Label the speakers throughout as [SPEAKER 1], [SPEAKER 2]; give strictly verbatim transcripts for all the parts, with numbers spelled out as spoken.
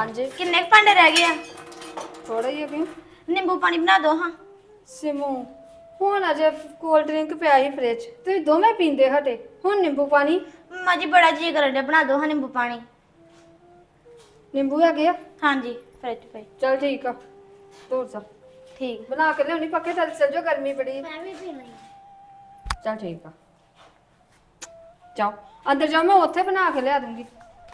[SPEAKER 1] ਹਾਂਜੀ
[SPEAKER 2] ਕਿੰਨੇ ਕੁ ਭਾਂਡੇ ਰਹਿ ਗਏ ਆ?
[SPEAKER 1] ਥੋੜਾ ਹੀ ਕਿਉਂ
[SPEAKER 2] ਨਿੰਬੂ ਪਾਣੀ ਬਣਾ ਦੋ ਹਾਂ।
[SPEAKER 1] ਸਿਮੂ ਹੁਣ ਅਜੇ ਕੋਲਡ ਡਰਿੰਕ ਪਿਆ ਸੀ ਫ੍ਰਿਜ ਤੁਸੀਂ ਦੋਵੇਂ ਪੀਂਦੇ ਹਟੇ ਹੁਣ ਨਿੰਬੂ ਪਾਣੀ।
[SPEAKER 2] ਮੰਮਾ ਜੀ ਬੜਾ ਜੀ ਕਰਨ ਡਿਆ, ਬਣਾ ਦੋ ਹਾਂ ਨਿੰਬੂ ਪਾਣੀ।
[SPEAKER 1] ਨਿੰਬੂ ਹੈਗੇ ਆ?
[SPEAKER 2] ਹਾਂਜੀ ਫ੍ਰਿਜ ਪਈ।
[SPEAKER 1] ਚਲ ਠੀਕ ਆ ਤੋਰ ਜਾ
[SPEAKER 2] ਠੀਕ।
[SPEAKER 1] ਬਣਾ ਕੇ ਲਿਆਉਣੀ ਪੱਕੇ ਥੱਲੇ ਚੱਲ ਜਾਓ ਗਰਮੀ ਬੜੀ।
[SPEAKER 2] ਮੈਂ ਵੀ ਪੀਣੀ।
[SPEAKER 1] ਚਲ ਠੀਕ ਆ ਜਾਓ ਅੰਦਰ ਜਾਓ ਮੈਂ ਉੱਥੇ ਬਣਾ ਕੇ ਲਿਆ ਦੂੰਗੀ।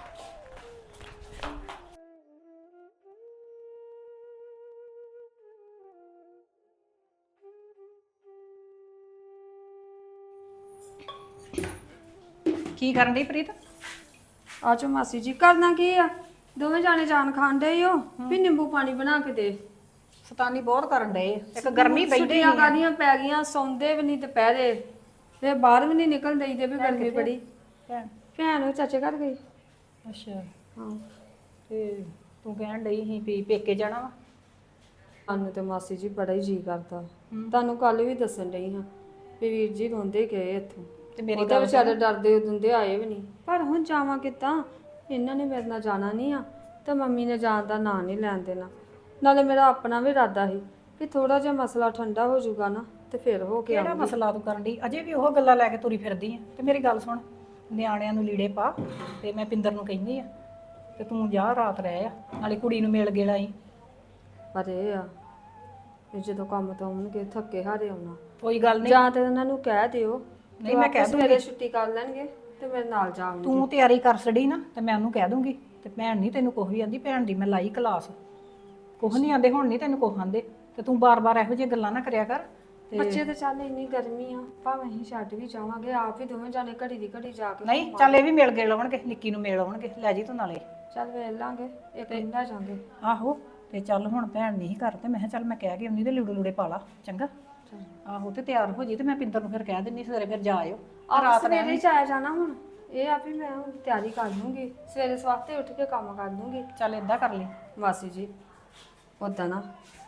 [SPEAKER 3] ਕੀ ਕਰਨ ਡਈ ਪ੍ਰੀਤ?
[SPEAKER 1] ਆਜੋ ਮਾਸੀ ਜੀ ਕਰਨਾ ਕੀ ਆ ਦੋਵੇਂ ਜਾਣੇ ਜਾਨ ਖਾਣ ਡਏ ਹੋ ਵੀ ਨਿੰਬੂ ਪਾਣੀ ਬਣਾ ਕੇ ਦੇ।
[SPEAKER 3] ਸਤਾਨੀ ਬਹੁਤ ਕਰਨ ਡਏ ਇੱਕ ਗਰਮੀ ਬੈਠੀ
[SPEAKER 1] ਛੁੱਟੀਆਂ ਕਾਹਦੀਆਂ ਪੈ ਗਈਆਂ ਸੌਂਦੇ ਵੀ ਨਹੀਂ ਦੁਪਹਿਰੇ ਤੇ ਬਾਹਰ ਵੀ ਨਹੀਂ ਨਿਕਲ ਦਈਦੇ ਵੀ ਗਰਮੀ ਬੜੀ।
[SPEAKER 3] ਭੈਣ
[SPEAKER 1] ਭੈਣ ਉਹ ਚਾਚੇ ਘਰ ਗਈ।
[SPEAKER 3] ਅੱਛਾ
[SPEAKER 1] ਹਾਂ
[SPEAKER 3] ਤੇ ਤੂੰ ਕਹਿਣ ਡਈ ਸੀ ਵੀ ਪੇਕੇ ਜਾਣਾ ਵਾ?
[SPEAKER 1] ਸਾਨੂੰ ਤੇ ਮਾਸੀ ਜੀ ਬੜਾ ਹੀ ਜੀ ਕਰਦਾ। ਤੁਹਾਨੂੰ ਕੱਲ ਵੀ ਦੱਸਣ ਡਈ ਹਾਂ ਵੀ ਵੀਰ ਜੀ ਰੋਂਦੇ ਗਏ ਇੱਥੋਂ
[SPEAKER 3] ਤੇ ਮੇਰੀ
[SPEAKER 1] ਉਹਦੇ ਵਿਚਾਰੇ ਡਰਦੇ ਉਦੋਂ ਦੇ ਆਏ ਵੀ ਨਹੀਂ। ਪਰ ਹੁਣ ਜਾਵਾਂ ਕਿੱਦਾਂ ਇਹਨਾਂ ਨੇ ਮੇਰੇ ਨਾਲ ਜਾਣਾ ਨਹੀਂ ਆ ਤੇ ਮੰਮੀ ਨੇ ਜਾਣ ਦਾ ਨਾਂ ਨਹੀਂ ਲੈਣ ਦੇਣਾ। ਨਾਲੇ ਮੇਰਾ ਆਪਣਾ ਵੀ ਇਰਾਦਾ ਸੀ ਕਿ ਥੋੜਾ ਜਿਹਾ ਮਸਲਾ ਠੰਡਾ ਹੋ ਜਾਊਗਾ ਨਾ ਤੇ ਫਿਰ ਹੋ ਕੇ
[SPEAKER 3] ਕਿਹੜਾ ਮਸਲਾ ਤੂੰ ਕਰਨ ਡਈ? ਅਜੇ ਵੀ ਉਹ ਗੱਲਾਂ ਲੈ ਕੇ ਤੁਰੀ ਫਿਰਦੀ ਆ। ਤੇ ਮੇਰੀ ਗੱਲ ਸੁਣ, ਨਿਆਣਿਆਂ ਨੂੰ ਲੀੜੇ ਪਾ ਤੇ ਮੈਂ ਪਿੰਦਰ ਨੂੰ ਕਹਿੰਦੀ ਆ ਤੇ ਤੂੰ ਜਾ ਰਾਤ ਰਹਿ ਆ ਨਾਲੇ ਕੁੜੀ ਨੂੰ ਮਿਲ ਗੇੜਾ ਆਈ।
[SPEAKER 1] ਪਰ ਇਹ ਆ ਵੀ ਜਦੋਂ ਕੰਮ ਤੋਂ ਆਉਣਗੇ ਥੱਕੇ ਹਾਰੇ ਆਉਣਾ।
[SPEAKER 3] ਕੋਈ ਗੱਲ ਨਹੀਂ,
[SPEAKER 1] ਜਾਂ ਤੇ ਉਹਨਾਂ ਨੂੰ ਕਹਿ ਦਿਓ
[SPEAKER 3] ਨਹੀਂ ਮੈਂ ਕਹਿ
[SPEAKER 1] ਸਵੇਰੇ ਛੁੱਟੀ ਕਰ ਲੈਣਗੇ ਤੇ ਮੇਰੇ ਨਾਲ ਜਾਵਾਂਗੇ।
[SPEAKER 3] ਤੂੰ ਤਿਆਰੀ ਕਰ ਛੜੀ ਨਾ ਤੇ ਮੈਂ ਉਹਨੂੰ ਕਹਿ ਦੂੰਗੀ। ਤੇ ਭੈਣ ਨਹੀਂ ਤੈਨੂੰ ਕੁਛ ਵੀ ਆਂਦੀ, ਭੈਣ ਦੀ ਮੈਂ ਲਾਈ ਕਲਾਸ। ਕੁਛ ਨਹੀਂ ਆਂਦੇ ਹੁਣ ਨਹੀਂ ਤੈਨੂੰ ਕੁਛ ਆਂਦੇ ਤੇ ਤੂੰ ਬਾਰ-ਬਾਰ ਇਹੋ ਜਿਹੀਆਂ ਗੱਲਾਂ ਨਾ ਕਰਿਆ ਕਰ।
[SPEAKER 1] ਬੱਚੇ ਤੇ ਚੱਲ ਇੰਨੀ ਗਰਮੀ ਆ ਭਾਵੇਂ ਅਸੀਂ ਛੱਡ ਵੀ ਜਾਵਾਂਗੇ ਆਪ ਵੀ ਦੋਵੇਂ ਜਾਣੇ ਘੜੀ ਦੀ ਘੜੀ ਜਾ ਕੇ
[SPEAKER 3] ਨਹੀਂ ਚੱਲ ਇਹ ਵੀ ਮਿਲ ਗਏ ਲਾਉਣਗੇ, ਨਿੱਕੀ ਨੂੰ ਮਿਲ ਆਉਣਗੇ, ਲੈ ਜੀ ਤੂੰ ਨਾਲੇ।
[SPEAKER 1] ਚੱਲ ਵੇਖ ਲਾਂਗੇ ਇੱਕ ਇੰਨਾ ਜਾਂਗੇ।
[SPEAKER 3] ਆਹੋ ਤੇ ਚੱਲ ਹੁਣ ਭੈਣ ਨਹੀਂ ਘਰ ਤੇ ਮੈਂ ਕਿਹਾ ਚੱਲ ਮੈਂ ਕਹਿ ਕੇ ਆਉਂਦੀ ਤੇ ਲੂੜੇ ਲੂੜੇ ਪਾ ਲਾ ਚੰਗਾ। ਆਹੋ ਤੇ ਤਿਆਰ ਹੋ ਜੀ ਤੇ ਮੈਂ ਪਿੰਦਰ ਨੂੰ ਫਿਰ ਕਹਿ ਦਿੰਨੀ ਸਵੇਰੇ ਫਿਰ ਜਾ ਆਇਓ।
[SPEAKER 1] ਆਪ ਸਵੇਰੇ ਚ ਆਇਆ ਜਾਣਾ ਹੁਣ ਇਹ ਆ ਵੀ ਮੈਂ ਹੁਣ ਤਿਆਰੀ ਕਰ ਲੂੰਗੀ ਸਵੇਰੇ ਸਵਾਤੇ ਉੱਠ ਕੇ ਕੰਮ ਕਰ ਲੂੰਗੀ।
[SPEAKER 3] ਚੱਲ ਏਦਾਂ ਕਰ ਲਈ
[SPEAKER 1] ਮਾਸੀ ਜੀ ਉਦਾਂ ਨਾ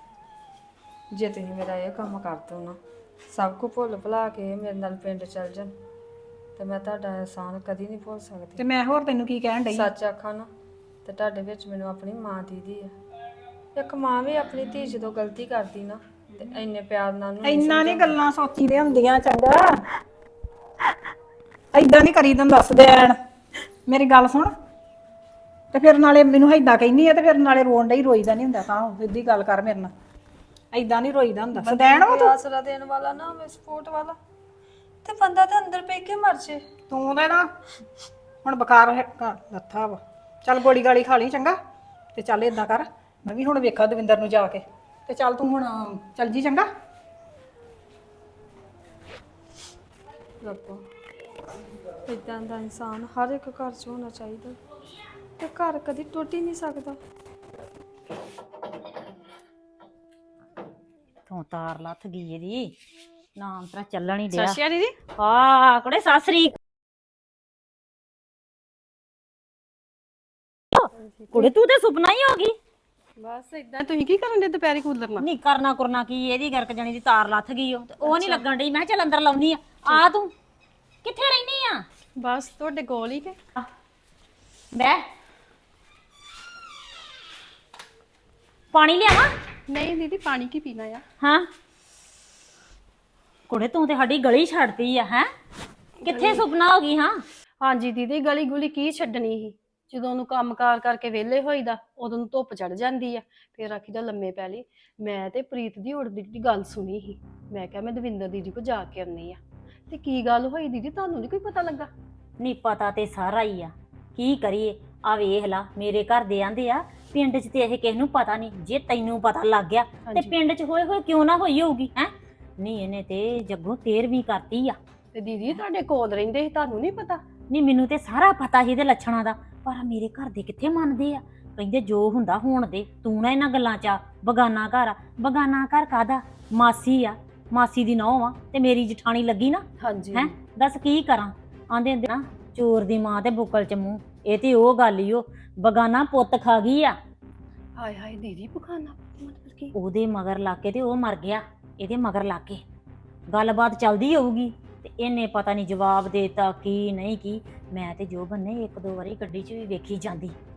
[SPEAKER 1] ਜੇ ਤੁਸੀਂ ਮੇਰਾ ਇਹ ਕੰਮ ਕਰ ਦੋ ਨਾ ਸਭ ਕੁ ਭੁੱਲ ਭੁਲਾ ਕੇ ਮੇਰੇ ਨਾਲ ਪਿੰਡ ਚੱਲ ਜਾਣ ਤੇ ਮੈਂ ਤੁਹਾਡਾ ਅਹਿਸਾਨ ਕਦੀ ਨਹੀਂ ਭੁੱਲ ਸਕਦੀ।
[SPEAKER 3] ਤੇ ਮੈਂ ਹੋਰ ਤੈਨੂੰ ਕੀ ਕਹਿਣ ਡਈ?
[SPEAKER 1] ਸੱਚ ਆਖਾਂ ਨਾ ਤੇ ਤੁਹਾਡੇ ਵਿੱਚ ਮੈਨੂੰ ਆਪਣੀ ਮਾਂ ਦੀਦੀ ਆ। ਇੱਕ ਮਾਂ ਵੀ ਆਪਣੀ ਧੀ ਜਦੋਂ ਗਲਤੀ ਕਰਦੀ ਨਾ ਤੇ ਇੰਨੇ ਪਿਆਰ ਨਾਲ ਉਹਨੂੰ
[SPEAKER 3] ਇੰਨਾ ਨਹੀਂ ਗੱਲਾਂ ਸੋਚੀ ਦੇ ਹੁੰਦੀਆਂ ਚੰਗਾ। ਏਦਾਂ ਨਹੀਂ ਕਰੀ ਤੈਨੂੰ ਦੱਸ ਦੇਣ। ਮੇਰੀ ਗੱਲ ਸੁਣ ਤੇ ਫਿਰ ਨਾਲੇ ਮੈਨੂੰ ਏਦਾਂ ਕਹਿੰਦੀ ਆ ਤੇ ਫਿਰ ਨਾਲੇ ਰੋਣ ਡਈ ਰੋਈਦਾ ਨਹੀਂ ਹੁੰਦਾ। ਤਾਂ ਸਿੱਧੀ ਗੱਲ ਕਰ ਮੇਰੇ ਨਾਲ, ਏਦਾਂ ਨਹੀਂ ਰੋਈਦਾ ਹੁੰਦਾ। ਸਦੈਣ ਵਾ ਤੂੰ,
[SPEAKER 1] ਆਸਰਾ ਦੇਣ ਵਾਲਾ ਨਾ ਹੋਵੇ ਸਪੋਰਟ ਵਾਲਾ ਤੇ ਬੰਦਾ ਤਾਂ ਅੰਦਰ ਪੈ ਕੇ ਮਰ ਜੇ।
[SPEAKER 3] ਤੂੰ ਤੇ ਨਾ ਹੁਣ ਬੁਖਾਰ ਹੈ ਲੱਥਾ ਵਾ। ਚੱਲ ਗੋਲੀ ਗਾਲੀ ਖਾ ਲਈ ਚੰਗਾ ਤੇ ਚੱਲ ਏਦਾਂ ਕਰ ਮੈਂ ਵੀ ਹੁਣ ਵੇਖਾਂ ਦਵਿੰਦਰ ਨੂੰ ਜਾ ਕੇ ਤੇ ਚੱਲ ਤੂੰ ਹੁਣ ਚੱਲ ਜੀ ਚੰਗਾ।
[SPEAKER 1] ਰੱਬਾ ਇਦਾਂ ਦਾ ਇਨਸਾਨ ਹਰ ਇੱਕ ਘਰ 'ਚ ਹੋਣਾ ਚਾਹੀਦਾ ਤੇ ਘਰ ਕਦੀ ਟੁੱਟ ਹੀ ਨਹੀਂ ਸਕਦਾ।
[SPEAKER 4] ਤੂੰ ਤਾਰ ਲੱਥ ਗਈ ਇਹਦੀ ਨਾਮ ਤੇਰਾ ਚੱਲਣ ਹੀ ਡਿਆ।
[SPEAKER 5] ਸਸ਼ੀਆ ਦੀਦੀ
[SPEAKER 4] ਹਾਂ ਕੁੜੇ ਸਾਸਰੀ ਕੁੜੇ ਤੂੰ ਤੇ ਸੁਪਨਾ ਹੀ ਹੋ ਗਈ।
[SPEAKER 5] ਬਸ ਇਦਾਂ ਤੁਸੀਂ ਕੀ ਕਰਨ ਦੇ ਦੁਪਹਿਰੇ ਕੂਲਰ ਨਾਲ?
[SPEAKER 4] ਨਹੀਂ ਕਰਨਾ ਕਰਨਾ ਕੀ ਇਹਦੀ ਗਰਕ ਜਾਣੀ ਦੀ ਤਾਰ ਲੱਥ ਗਈ ਉਹ ਤੇ ਉਹ ਨਹੀਂ ਲੱਗਣ ਡਈ। ਮੈਂ ਕਿਹਾ ਚੱਲ ਅੰਦਰ ਲਾਉਣੀ ਆ। ਆ ਤੂੰ ਕਿੱਥੇ ਰਹਿਨੀ ਆ?
[SPEAKER 5] ਬਸ ਤੁਹਾਡੇ ਕੋਲ ਹੀ ਕੇ
[SPEAKER 4] ਬਹਿ ਪਾਣੀ ਲਿਆਵਾਂ?
[SPEAKER 5] ਨਹੀਂ ਦੀਦੀ ਪਾਣੀ ਕੀ ਪੀਣਾ ਆ?
[SPEAKER 4] ਹਾਂ ਕੁੜੇ ਤੂੰ ਤੇ ਸਾਡੀ ਗਲੀ ਛੱਡਤੀ ਆ। ਹੈ ਕਿੱਥੇ ਸੁਪਨਾ ਹੋ ਗਈ? ਹਾਂ
[SPEAKER 5] ਹਾਂਜੀ ਦੀਦੀ ਗਲੀ ਗੁਲੀ ਕੀ ਛੱਡਣੀ ਸੀ। ਜਦੋਂ ਉਹਨੂੰ ਕੰਮਕਾਰ ਕਰਕੇ ਵਿਹਲੇ ਹੋਈਦਾ ਉਦੋਂ ਨੂੰ ਧੁੱਪ ਚੜ ਜਾਂਦੀ ਆ ਫਿਰ ਆਖੀਦਾ ਲੰਮੇ ਪੈ ਲਈ। ਮੈਂ ਤੇ ਪ੍ਰੀਤ ਦੀ ਉੜਦੀ ਦੀ ਗੱਲ ਸੁਣੀ ਸੀ। ਮੈਂ ਕਿਹਾ ਮੈਂ ਦਵਿੰਦਰ ਦੀਦੀ ਕੋ ਜਾ ਕੇ ਆਉਂਦੀ ਆ। ਤੇ ਕੀ ਗੱਲ ਹੋਈ ਦੀਦੀ ਤੁਹਾਨੂੰ ਨਹੀਂ ਕੋਈ ਪਤਾ ਲੱਗਾ?
[SPEAKER 4] ਨਹੀਂ ਪਤਾ ਤੇ ਸਾਰਾ ਹੀ ਆ। ਕੀ ਕਰੀਏ ਆ ਵੇਖ ਲਾ ਮੇਰੇ ਘਰ ਦੇ ਆਂਦੇ ਆ ਪਿੰਡ 'ਚ ਤੇ ਇਹ ਕਿਸੇ ਨੂੰ ਪਤਾ ਨਹੀਂ। ਜੇ ਤੈਨੂੰ ਪਤਾ ਲੱਗ ਗਿਆ ਤੇ ਪਿੰਡ 'ਚ ਹੋਏ ਹੋਏ ਕਿਉਂ ਨਾ ਹੋਈ ਹੋਊਗੀ। ਹੈ ਨਹੀਂ ਇਹਨੇ ਤੇ ਜੱਗੋਂ ਤੇਰਵੀਂ ਕਰਤੀ ਆ।
[SPEAKER 5] ਤੇ ਦੀਦੀ ਤੁਹਾਡੇ ਕੋਲ ਰਹਿੰਦੇ ਸੀ ਤੁਹਾਨੂੰ ਨਹੀਂ ਪਤਾ?
[SPEAKER 4] ਨਹੀਂ ਮੈਨੂੰ ਤੇ ਸਾਰਾ ਪਤਾ ਸੀ ਇਹਦੇ ਲੱਛਣਾਂ ਦਾ ਪਰ ਮੇਰੇ ਘਰ ਦੇ ਕਿੱਥੇ ਮੰਨਦੇ ਆ। ਕਹਿੰਦੇ ਜੋ ਹੁੰਦਾ ਹੋਣ ਦੇ ਤੂੰ ਨਾ ਇਹਨਾਂ ਗੱਲਾਂ 'ਚ ਆ। ਬਗਾਨਾ ਘਰ ਆ। ਬਗਾਨਾ ਘਰ ਕਾਹਦਾ? ਮਾਸੀ ਆ ਮਾਸੀ ਦੀ ਨੌਂ ਆ ਤੇ ਮੇਰੀ ਜਠਾਣੀ ਲੱਗੀ ਨਾ।
[SPEAKER 5] ਹਾਂਜੀ
[SPEAKER 4] ਹੈ ਦੱਸ ਕੀ ਕਰਾਂ? ਆਂਦੇ ਹੁੰਦੇ ਨਾ ਚੋਰ ਦੀ ਮਾਂ ਤੇ ਬੁੱਕਲ 'ਚ ਮੂੰਹ। ਇਹ ਤੇ ਉਹ ਗੱਲ ਹੀ ਉਹ ਬਗਾਨਾ ਪੁੱਤ ਖਾ ਗਈ ਆ।
[SPEAKER 5] ਹਾਏ ਹਾਏ ਦੀਦੀ ਬਗਾਨਾ ਮਤਲਬ ਕੀ?
[SPEAKER 4] ਉਹਦੇ ਮਗਰ ਲਾ ਕੇ ਤੇ ਉਹ ਮਰ ਗਿਆ। ਇਹਦੇ ਮਗਰ ਲਾ ਕੇ ਗੱਲਬਾਤ ਚੱਲਦੀ ਹੋਊਗੀ ਤੇ ਇਹਨੇ ਪਤਾ ਨਹੀਂ ਜਵਾਬ ਦੇਤਾ ਕੀ ਨਹੀਂ ਕੀ। ਮੈਂ ਤੇ ਜੋ ਬੰਨੇ ਇੱਕ ਦੋ ਵਾਰੀ ਗੱਡੀ 'ਚ ਵੀ ਵੇਖੀ ਜਾਂਦੀ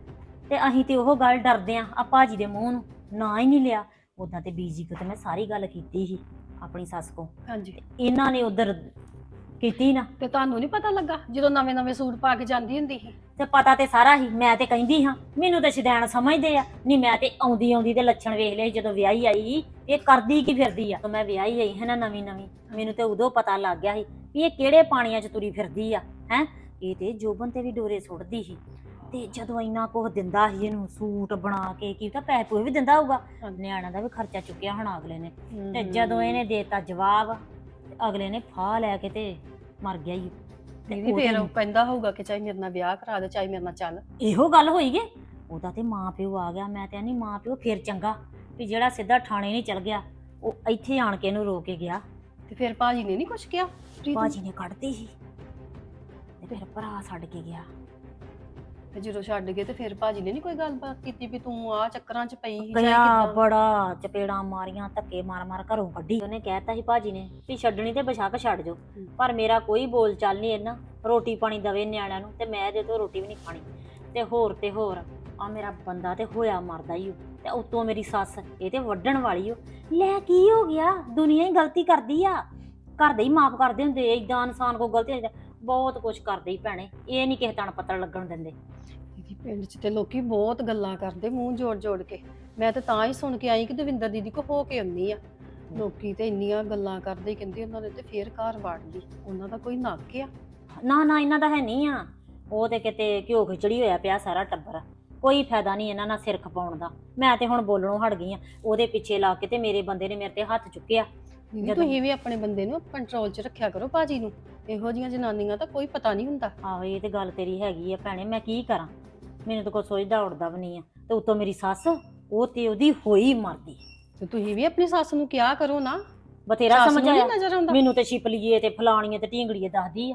[SPEAKER 4] ਤੇ ਅਸੀਂ ਤੇ ਉਹ ਗੱਲ ਡਰਦੇ ਆ ਆ ਭਾਜੀ ਦੇ ਮੂੰਹ ਨੂੰ ਨਾ ਹੀ ਨਹੀਂ ਲਿਆ। ਉਦਾਂ ਤੇ ਬੀਜੀ ਕੋ ਤੇ ਮੈਂ ਸਾਰੀ ਗੱਲ ਕੀਤੀ ਸੀ ਆਪਣੀ ਸੱਸ ਕੋ,
[SPEAKER 5] ਹਾਂਜੀ
[SPEAKER 4] ਇਹਨਾਂ ਨੇ ਉਧਰ ਕੀਤੀ ਨਾ।
[SPEAKER 5] ਤੇ ਤੁਹਾਨੂੰ ਨਹੀਂ ਪਤਾ ਲੱਗਾ ਜਦੋਂ ਨਵੇਂ ਨਵੇਂ ਸੂਟ ਪਾ ਕੇ ਜਾਂਦੀ ਹੁੰਦੀ ਸੀ?
[SPEAKER 4] ਤੇ ਪਤਾ ਤੇ ਸਾਰਾ ਹੀ, ਮੈਂ ਤੇ ਕਹਿੰਦੀ ਹਾਂ ਮੈਨੂੰ ਤੇ ਸ਼ਦੈਣ ਸਮਝਦੇ ਆ। ਨਹੀਂ ਮੈਂ ਤੇ ਆਉਂਦੀ ਆਉਂਦੀ ਤੇ ਲੱਛਣ ਵੇਖ ਲਏ ਜਦੋਂ ਵਿਆਹੀ ਆਈ ਇਹ ਕਰਦੀ ਕੀ ਫਿਰਦੀ ਆ। ਮੈਂ ਵਿਆਹੀ ਆਈ ਹੈ ਨਾ ਨਵੀਂ ਨਵੀਂ, ਮੈਨੂੰ ਤੇ ਉਦੋਂ ਪਤਾ ਲੱਗ ਗਿਆ ਸੀ ਵੀ ਇਹ ਕਿਹੜੇ ਪਾਣੀਆਂ 'ਚ ਤੁਰੀ ਫਿਰਦੀ ਆ ਹੈ। ਇਹ ਤੇ ਜੋਬਨ ਤੇ ਵੀ ਡੋਰੇ ਸੁੱਟਦੀ ਸੀ ਤੇ ਜਦੋਂ ਇੰਨਾ ਕੁਝ ਦਿੰਦਾ ਸੀ ਇਹਨੂੰ ਸੂਟ ਬਣਾ ਕੇ, ਕੀ ਤਾਂ ਪੈਸੇ ਪੂਏ ਵੀ ਦਿੰਦਾ ਹੋਊਗਾ, ਨਿਆਣਾ ਦਾ ਵੀ ਖਰਚਾ ਚੁੱਕਿਆ ਹੋਣਾ ਅਗਲੇ ਨੇ। ਤੇ ਜਦੋਂ ਇਹਨੇ ਦੇਤਾ ਜਵਾਬ ਅਗਲੇ ਨੇ ਫਾਹ ਲੈ ਕੇ ਤੇ ਮਰ ਗਿਆ ਹੀ।
[SPEAKER 5] ਦੀਦੀ ਫੇਰ ਉਹ ਕਹਿੰਦਾ ਹੋਊਗਾ ਕਿ ਚਾਹੇ ਮੇਰੇ ਨਾਲ ਵਿਆਹ ਕਰਾ ਦੇ ਚਾਹੇ ਮੇਰੇ ਨਾਲ ਚੱਲ।
[SPEAKER 4] ਇਹੋ ਗੱਲ ਹੋਈ ਗੇ। ਉਹਦਾ ਤੇ ਮਾਂ ਪਿਓ ਆ ਗਿਆ। ਮੈਂ ਤੇ ਨਹੀਂ ਮਾਂ ਪਿਓ ਫੇਰ ਚੰਗਾ ਵੀ ਜਿਹੜਾ ਸਿੱਧਾ ਥਾਣੇ ਨਹੀਂ ਚਲ ਗਿਆ, ਉਹ ਇੱਥੇ ਆਣ ਕੇ ਇਹਨੂੰ ਰੋ ਕੇ ਗਿਆ।
[SPEAKER 5] ਤੇ ਫਿਰ ਭਾਜੀ ਨੇ ਨਹੀਂ ਕੁਛ ਕਿਹਾ? ਪ੍ਰੀਤ ਨੂੰ?
[SPEAKER 4] ਭਾਜੀ ਨੇ ਕੱਢਤੀ ਸੀ ਤੇ ਫਿਰ ਭਰਾ ਛੱਡ ਕੇ ਗਿਆ।
[SPEAKER 5] ਤੇ ਜਦੋਂ ਛੱਡ ਗਏ ਤੇ ਫਿਰ ਭਾਜੀ ਨੇ ਨਹੀਂ ਕੋਈ ਗੱਲਬਾਤ ਕੀਤੀ ਵੀ ਤੂੰ ਆ ਚੱਕਰਾਂ 'ਚ ਪਈ ਸੀ
[SPEAKER 4] ਗਿਆ ਬੜਾ ਚਪੇੜਾਂ ਮਾਰੀਆਂ, ਧੱਕੇ ਮਾਰ ਮਾਰ ਘਰੋਂ ਕੱਢੀ। ਉਹਨੇ ਕਹਿਤਾ ਸੀ ਭਾਜੀ ਨੇ ਵੀ ਛੱਡਣੀ ਤੇ ਬਸ਼ੱਕ ਛੱਡ ਜੋ, ਪਰ ਮੇਰਾ ਕੋਈ ਬੋਲ ਚਾਲ ਨਹੀਂ ਇਹਨਾਂ। ਰੋਟੀ ਪਾਣੀ ਦਵੇ ਨਿਆਣਿਆਂ ਨੂੰ ਤੇ ਮੈਂ ਇਹਦੇ ਤੋਂ ਰੋਟੀ ਵੀ ਨਹੀਂ ਖਾਣੀ। ਤੇ ਹੋਰ ਤੇ ਹੋਰ ਆ ਮੇਰਾ ਬੰਦਾ ਤੇ ਹੋਇਆ ਮਰਦਾ ਹੀ। ਤੇ ਉਤੋਂ ਮੇਰੀ ਸੱਸ ਇਹ ਤੇ ਵੱਢਣ ਵਾਲੀ ਓ। ਲੈ ਕੀ ਹੋ ਗਿਆ, ਦੁਨੀਆ ਹੀ ਗਲਤੀ ਕਰਦੀ ਆ, ਘਰ ਦੇ ਹੀ ਮਾਫ ਕਰਦੇ ਹੁੰਦੇ। ਏਦਾਂ ਇਨਸਾਨ ਕੋ ਗਲਤੀ ਬਹੁਤ ਕੁਛ ਕਰਦੇ ਹੀ ਭੈਣੇ, ਇਹ ਨਹੀਂ ਕਿਸੇ ਤਣ ਪੱਤਰ ਲੱਗਣ ਦਿੰਦੇ।
[SPEAKER 5] ਦੀਦੀ ਪਿੰਡ 'ਚ ਤੇ ਲੋਕੀ ਬਹੁਤ ਗੱਲਾਂ ਕਰਦੇ ਮੂੰਹ ਜੋੜ ਜੋੜ ਕੇ। ਮੈਂ ਤੇ ਤਾਂ ਹੀ ਸੁਣ ਕੇ ਆਈ ਕਿ ਦਵਿੰਦਰ ਦੀਦੀ ਕੋ ਹੋ ਕੇ ਆਉਂਦੀ ਆ। ਲੋਕੀ ਤੇ ਇੰਨੀਆਂ ਗੱਲਾਂ ਕਰਦੇ, ਕਹਿੰਦੇ ਉਹਨਾਂ ਨੇ ਤੇ ਫੇਰ ਘਰ ਵਾੜ ਲਈ। ਉਹਨਾਂ ਦਾ ਕੋਈ ਨੱਕ ਆ?
[SPEAKER 4] ਨਾ ਨਾ ਇਹਨਾਂ ਦਾ ਹੈ ਨਹੀਂ ਆ। ਉਹ ਤੇ ਕਿਤੇ ਘਿਓ ਖਿਚੜੀ ਹੋਇਆ ਪਿਆ ਸਾਰਾ ਟੱਬਰ। ਕੋਈ ਫਾਇਦਾ ਨਹੀਂ ਇਹਨਾਂ ਨਾਲ ਸਿਰ ਖਪਾਉਣ ਦਾ। ਮੈਂ ਤੇ ਹੁਣ ਬੋਲਣੋਂ ਹਟ ਗਈ ਆ। ਉਹਦੇ ਪਿੱਛੇ ਲਾ ਕੇ ਤੇ ਮੇਰੇ ਬੰਦੇ ਨੇ ਮੇਰੇ ਤੇ ਹੱਥ ਚੁੱਕਿਆ।
[SPEAKER 5] ਦੀਦੀ ਤੁਸੀਂ ਵੀ ਆਪਣੇ ਬੰਦੇ ਨੂੰ ਕੰਟਰੋਲ 'ਚ ਰੱਖਿਆ ਕਰੋ ਭਾਜੀ ਨੂੰ। ਇਹੋ ਜਿਹੀਆਂ ਜਨਾਨੀਆਂ ਦਾ ਕੋਈ ਪਤਾ ਨਹੀਂ ਹੁੰਦਾ।
[SPEAKER 4] ਆਹੋ ਇਹ ਤੇ ਗੱਲ ਤੇਰੀ ਹੈਗੀ ਆ ਭੈਣੇ, ਮੈਂ ਕੀ ਕਰਾਂ, ਮੈਨੂੰ ਤਾਂ ਕੋਈ ਸੋਚਦਾ ਉੜਦਾ ਵੀ ਨਹੀਂ ਆ। ਤੇ ਉੱਤੋਂ ਮੇਰੀ ਸੱਸ ਉਹ ਤੇ ਉਹਦੀ ਹੋਈ ਮਰਦੀ।
[SPEAKER 5] ਤੇ ਤੁਸੀਂ ਵੀ ਆਪਣੀ ਸੱਸ ਨੂੰ ਕਿਹਾ ਕਰੋ ਨਾ।
[SPEAKER 4] ਬਥੇਰਾ
[SPEAKER 5] ਸੱਸ ਨੂੰ ਨੀ
[SPEAKER 4] ਸਮਝਾਇਆ,
[SPEAKER 5] ਨਜ਼ਰ ਆਉਂਦਾ?
[SPEAKER 4] ਮੈਨੂੰ ਤੇ ਛਿਪਲੀਏ ਤੇ ਫਲਾਣੀਏ ਤੇ ਢੀਂਗੜੀਏ ਦੱਸਦੀ ਆ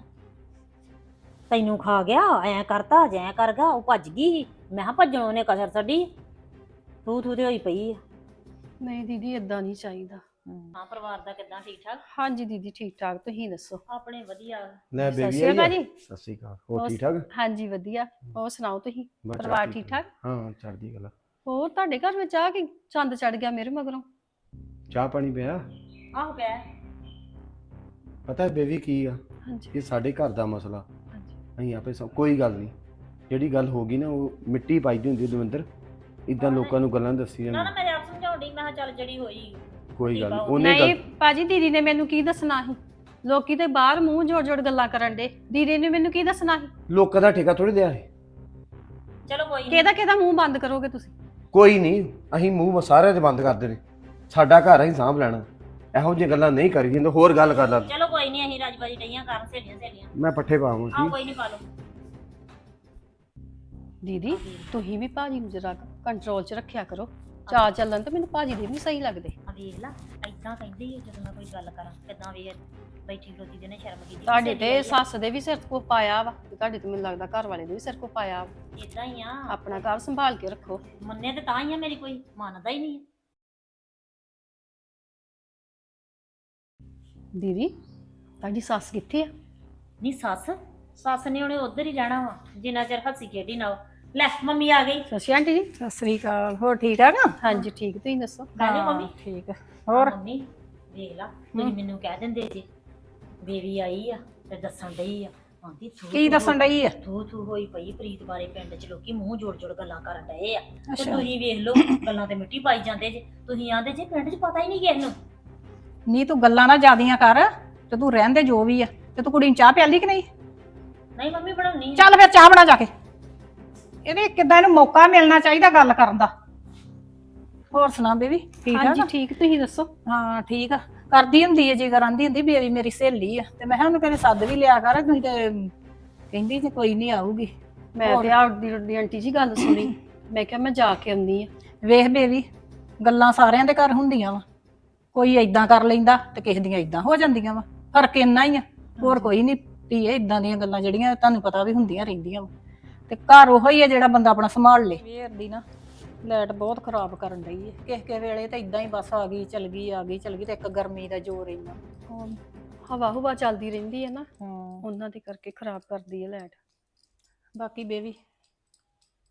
[SPEAKER 4] ਤੈਨੂੰ ਖਾ ਗਿਆ, ਐ ਕਰਤਾ ਜੈ ਕਰ ਗਿਆ। ਉਹ ਭੱਜ ਗਈ। ਮੈਂ ਕਿਹਾ ਭੱਜਣੋਂ ਉਹਨੇ ਕਸਰ ਛੱਡੀ, ਤੂੰ ਤੂੰ ਤੇ ਹੋਈ ਪਈ ਆ।
[SPEAKER 5] ਨਹੀਂ ਦੀਦੀ ਏਦਾਂ ਨਹੀਂ ਚਾਹੀਦਾ।
[SPEAKER 4] ਹਾਂ ਪਰਿਵਾਰ ਦਾ ਕਿੱਦਾਂ, ਠੀਕ ਠਾਕ?
[SPEAKER 5] ਹਾਂਜੀ ਦੀਦੀ ਠੀਕ ਠਾਕ, ਤੁਸੀਂ ਦੱਸੋ?
[SPEAKER 4] ਆਪਣੇ ਵਧੀਆ।
[SPEAKER 6] ਲੈ
[SPEAKER 5] ਸਤਿ
[SPEAKER 6] ਬੇਬੀ
[SPEAKER 5] ਸ਼੍ਰੀ ਅਕਾਲ
[SPEAKER 6] ਆਈ
[SPEAKER 5] ਜੀ।
[SPEAKER 6] ਆ? ਸਤਿ ਸ਼੍ਰੀ ਅਕਾਲ। ਹੋਰ ਠੀਕ ਠਾਕ?
[SPEAKER 5] ਹਾਂਜੀ ਵਧੀਆ। ਹੋਰ ਸੁਣਾਓ ਤੁਸੀਂ?
[SPEAKER 6] ਬਸ
[SPEAKER 5] ਪਰਿਵਾਰ
[SPEAKER 6] ਚੜ੍ਹਦੀ
[SPEAKER 5] ਠੀਕ ਠਾਕ?
[SPEAKER 6] ਹਾਂ ਚੜ੍ਹਦੀ ਕਲਾ।
[SPEAKER 5] ਹੋਰ ਤੁਹਾਡੇ ਘਰ ਵਿੱਚ ਆ ਕਿ ਚੰਦ ਚੜ ਗਿਆ ਮੇਰੇ ਮਗਰੋਂ?
[SPEAKER 6] ਚਾਹ ਪਾਣੀ ਪਿਆ?
[SPEAKER 4] ਆਹੋ ਪਿਆ।
[SPEAKER 6] ਪਤਾ ਬੇਬੀ ਕੀ ਆ,
[SPEAKER 5] ਹਾਂਜੀ
[SPEAKER 6] ਇਹ ਸਾਡੇ ਘਰ ਦਾ ਮਸਲਾ।
[SPEAKER 5] ਹਾਂਜੀ
[SPEAKER 6] ਅਸੀਂ ਆਪੇ ਸਭ ਕੋਈ ਗੱਲ ਨਹੀਂ, ਜਿਹੜੀ ਗੱਲ ਹੋ ਗਈ ਨਾ ਉਹ ਮਿੱਟੀ ਪਾਈਦੀ ਹੁੰਦੀ ਦਵਿੰਦਰ। ਇਦਾਂ ਲੋਕਾਂ ਨੂੰ ਗੱਲਾਂ ਦੱਸੀਆਂ
[SPEAKER 4] ਨਾ ਨਾ ਮੈਂ ਆਪ ਸਮਝਾਉਂਦੀ, ਮੈਂ ਕਿਹਾ ਚੱਲ ਜਿਹੜੀ ਹੋਈ
[SPEAKER 6] ਕੋਈ ਗੱਲ ਨਹੀਂ। ਉਹਨੇ
[SPEAKER 5] ਨਹੀਂ
[SPEAKER 6] ਗੱਲ
[SPEAKER 5] ਭਾਜੀ ਦੀਦੀ ਨੇ ਮੈਨੂੰ ਕੀ ਦੱਸਣਾ ਸੀ? ਲੋਕੀ ਤੇ ਬਾਹਰ ਮੂੰਹ ਜੋੜ ਜੋੜ ਗੱਲਾਂ ਕਰਨ ਦੇ। ਦੀਦੀ ਨੇ ਮੈਨੂੰ ਕੀ ਦੱਸਣਾ ਸੀ?
[SPEAKER 6] ਲੋਕਾਂ ਦਾ ਠੇਕਾ ਥੋੜੀ ਦਿਆ ਹੈ।
[SPEAKER 4] ਚਲੋ ਕੋਈ ਨਹੀਂ।
[SPEAKER 5] ਕਿਹਦਾ ਕਿਹਦਾ ਮੂੰਹ ਬੰਦ ਕਰੋਗੇ ਤੁਸੀਂ?
[SPEAKER 6] ਕੋਈ ਨਹੀਂ, ਅਸੀਂ ਮੂੰਹ ਸਾਰਿਆਂ ਦੇ ਬੰਦ ਕਰਦੇ ਨੇ। ਸਾਡਾ ਘਰ ਅਸੀਂ ਸਾਂਭ ਲੈਣਾ। ਇਹੋ ਜਿਹੀਆਂ ਗੱਲਾਂ ਨਹੀਂ ਕਰੀ ਜਾਂਦੇ। ਹੋਰ ਗੱਲ ਕਰ ਲਾ।
[SPEAKER 4] ਚਲੋ ਕੋਈ ਨਹੀਂ, ਅਸੀਂ ਰਾਜਬਾਜੀ ਡਈਆਂ ਕਰਨ ਸਹੇਲੀਆਂ ਸਹੇਲੀਆਂ।
[SPEAKER 6] ਮੈਂ ਪੱਠੇ ਪਾਵਾਂ
[SPEAKER 4] ਆਹ
[SPEAKER 6] ਸੀ।
[SPEAKER 4] ਕੋਈ ਨਹੀਂ ਪਾ ਲਓ।
[SPEAKER 5] ਦੀਦੀ ਤੁਸੀਂ ਵੀ ਭਾਜੀ ਨੂੰ ਜਰਾ ਕੰਟਰੋਲ 'ਚ ਰੱਖਿਆ ਕਰੋ। ਚਾਲ ਚੱਲਣ ਤੇ ਮੈਨੂੰ ਭਾਜੀ ਦੇ ਨਹੀਂ ਸਹੀ ਲੱਗਦੇ।
[SPEAKER 4] ਆ ਵੇਖ ਲਾ ਏਦਾਂ ਕਹਿੰਦੀ ਹੈ ਜਦੋਂ ਮੈਂ ਕੋਈ ਗੱਲ ਕਰਾਂ ਕਿਦਾਂ ਵੀ ਬੈਠੀ ਖਲੋਤੀ ਦੇ ਨੇ ਸ਼ਰਮ ਕੀਤੀ।
[SPEAKER 5] ਤੁਹਾਡੇ ਤੇ ਸੱਸ ਦੇ ਵੀ ਸਿਰ ਕੋ ਪਾਇਆ ਵਾ ਤੇ ਤੁਹਾਡੇ ਤੇ ਮੈਨੂੰ ਲੱਗਦਾ ਘਰ ਵਾਲੇ ਦੇ ਵੀ ਸਿਰ ਕੋ ਪਾਇਆ ਵਾ।
[SPEAKER 4] ਇਦਾਂ ਹੀ ਆ।
[SPEAKER 5] ਆਪਣਾ ਘਰ ਸੰਭਾਲ ਕੇ ਰੱਖੋ।
[SPEAKER 4] ਮੰਨੇ ਤੇ ਤਾਂ ਹੀ ਆ, ਮੇਰੀ ਕੋਈ ਮੰਨਦਾ ਹੀ ਨਹੀਂ।
[SPEAKER 5] ਦੀਦੀ ਤੁਹਾਡੀ ਸੱਸ ਕਿੱਥੇ ਆ?
[SPEAKER 4] ਨਹੀਂ ਸੱਸ ਸੱਸ ਨੇ ਉਹਨੇ ਉਧਰ ਹੀ ਰਹਿਣਾ ਵਾ ਜਿੰਨਾ ਚਿਰ ਹੱਸੀ ਖੇਡੀ ਨਾ। ਲੈ ਮੰਮੀ ਆ ਗਈ।
[SPEAKER 5] ਸਤਿ ਸ਼੍ਰੀ ਅਕਾਲ ਆਂਟੀ ਜੀ।
[SPEAKER 3] ਸਤਿ ਸ੍ਰੀ ਅਕਾਲ। ਹੋਰ ਠੀਕ ਠਾਕ ਆ?
[SPEAKER 5] ਹਾਂਜੀ ਠੀਕ, ਤੁਸੀਂ ਦੱਸੋ?
[SPEAKER 4] ਕਹਿੰਦੇ ਮੰਮੀ
[SPEAKER 3] ਠੀਕ ਆ। ਹੋਰ
[SPEAKER 4] ਮੰਮੀ ਵੇਖ ਲਾ, ਤੁਸੀਂ ਮੈਨੂੰ ਕਹਿ ਦਿੰਦੇ ਜੀ ਬੇਬੀ ਆਈ ਆ ਤੇ ਦੱਸਣ ਡਈ ਆ। ਆਂਦੀ ਥੂ
[SPEAKER 3] ਕੀ ਦੱਸਣ ਡਈ ਆ?
[SPEAKER 4] ਥੂ ਥੂ ਹੋਈ ਪਈ ਪ੍ਰੀਤ ਬਾਰੇ ਪਿੰਡ 'ਚ ਲੋਕੀ ਮੂੰਹ ਜੋੜ ਜੋੜ ਗੱਲਾਂ ਕਰਨ ਡਏ ਆ। ਤੇ ਤੁਸੀਂ ਵੇਖ ਲਓ ਗੱਲਾਂ ਤੇ ਮਿੱਟੀ ਪਾਈ ਜਾਂਦੇ ਜੇ। ਤੁਸੀਂ ਆਂਦੇ ਜੇ ਪਿੰਡ 'ਚ ਪਤਾ ਹੀ ਨਹੀਂ ਕਿਸ ਨੂੰ।
[SPEAKER 3] ਨਹੀਂ ਤੂੰ ਗੱਲਾਂ ਨਾ ਜ਼ਿਆਦੀਆਂ ਕਰ ਤੇ ਤੂੰ ਰਹਿਣ ਦੇ ਜੋ ਵੀ ਆ। ਤੇ ਤੂੰ ਕੁੜੀ ਨੂੰ ਚਾਹ ਪਿਆਲੀ ਕਿ ਨਹੀਂ?
[SPEAKER 4] ਨਹੀਂ ਮੰਮੀ ਬਣਾਉਣੀ ਆ।
[SPEAKER 3] ਚੱਲ ਫਿਰ ਚਾਹ ਬਣਾ ਜਾ ਕੇ। ਇਹਦੇ ਕਿੱਦਾਂ ਇਹਨੂੰ ਮੌਕਾ ਮਿਲਣਾ ਚਾਹੀਦਾ ਗੱਲ ਕਰਨ ਦਾ। ਹੋਰ ਸੁਣਾ ਬੇਬੀ, ਠੀਕ ਆ
[SPEAKER 5] ਹਾਂਜੀ
[SPEAKER 3] ਨਾ?
[SPEAKER 5] ਠੀਕ, ਤੁਸੀਂ ਦੱਸੋ?
[SPEAKER 3] ਹਾਂ ਠੀਕ ਆ। ਕਰਦੀ ਹੁੰਦੀ ਹੈ ਜਿਗਰ ਆਂਦੀ ਹੁੰਦੀ ਬੇਬੀ ਮੇਰੀ ਸਹੇਲੀ ਆ। ਤੇ ਮੈਂ ਕਿਹਾ ਉਹਨੂੰ ਕਹਿੰਦੇ ਸੱਦ ਵੀ ਲਿਆ ਕਰ। ਤੁਸੀਂ ਤੇ ਕਹਿੰਦੀ ਤੇ ਕੋਈ ਨਹੀਂ ਆਊਗੀ।
[SPEAKER 5] ਮੈਂ ਤੇ ਆਪਦੀ ਦੀ ਆਂਟੀ ਜੀ ਗੱਲ ਸੁਣੀ। ਮੈਂ ਕਿਹਾ ਮੈਂ ਜਾ ਕੇ ਆਉਂਦੀ ਆ।
[SPEAKER 3] ਵੇਖ ਬੇਬੀ ਗੱਲਾਂ ਸਾਰਿਆਂ ਦੇ ਘਰ ਹੁੰਦੀਆਂ ਵਾ। ਕੋਈ ਏਦਾਂ ਕਰ ਲੈਂਦਾ ਤੇ ਕਿਸੇ ਦੀਆਂ ਏਦਾਂ ਹੋ ਜਾਂਦੀਆਂ ਵਾ। ਫਰਕ ਇੰਨਾ ਹੀ ਆ, ਹੋਰ ਕੋਈ ਨਹੀਂ। ਧੀਏ ਇਦਾਂ ਦੀਆਂ ਗੱਲਾਂ ਜਿਹੜੀਆਂ ਤੁਹਾਨੂੰ ਪਤਾ ਵੀ ਹੁੰਦੀਆਂ ਰਹਿੰਦੀਆਂ ਵਾ। ਤੇ ਘਰ ਉਹੋ ਹੀ ਆ ਜਿਹੜਾ ਬੰਦਾ ਆਪਣਾ ਸੰਭਾਲ ਲੇ। ਵੇਰ ਦੀ ਨਾ ਲਾਈਟ ਬਹੁਤ ਖਰਾਬ ਕਰਨ ਡਈ ਹੈ। ਕਿਸੇ ਕਿਸੇ ਵੇਲੇ ਤਾਂ ਇਦਾਂ ਹੀ ਬਸ ਆ ਗਈ ਚਲ ਗਈ ਆ ਗਈ ਚਲ ਗਈ। ਤੇ ਇੱਕ ਗਰਮੀ ਦਾ ਜ਼ੋਰ ਇੰਨਾ।
[SPEAKER 5] ਹਵਾ ਹੁਵਾ ਚੱਲਦੀ ਰਹਿੰਦੀ ਹੈ ਨਾ,
[SPEAKER 3] ਹਾਂ
[SPEAKER 5] ਉਹਨਾਂ ਦੇ ਕਰਕੇ ਖਰਾਬ ਕਰਦੀ ਹੈ ਲਾਈਟ।
[SPEAKER 3] ਬਾਕੀ ਬੇਬੀ